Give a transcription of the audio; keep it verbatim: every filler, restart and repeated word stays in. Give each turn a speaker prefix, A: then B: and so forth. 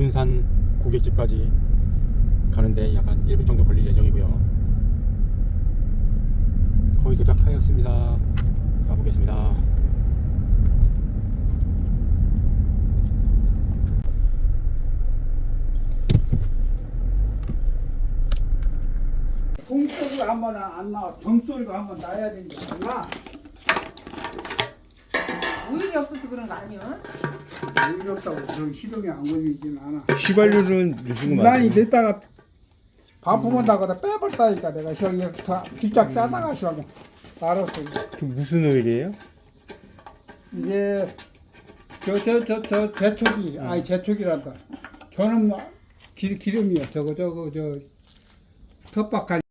A: 군산 고깃집까지 가는데 약 한 일 분 정도 걸릴 예정이고요. 거의 도착하였습니다. 가보겠습니다.
B: 공소리가 한번 안 나와. 정소리가 한번 나야 되는지 몰라.
C: 오일이 없어서 그런 거 아니야?
B: 오일 없다고 그런 시동이 안 걸리진 않아.
A: 휘발유는 넣으신 거
B: 많이
A: 맞아요?
B: 넣다가 반품한다고 빼버렸다니까 내가 저기 다 뒷짝 짜다가 시작해. 알았어.
A: 그 무슨 오일이에요?
B: 이게 저 저 저 저 제초기 아니 제초기란다. 저는 뭐 기, 기름이요. 저거 저거 저 텃밭할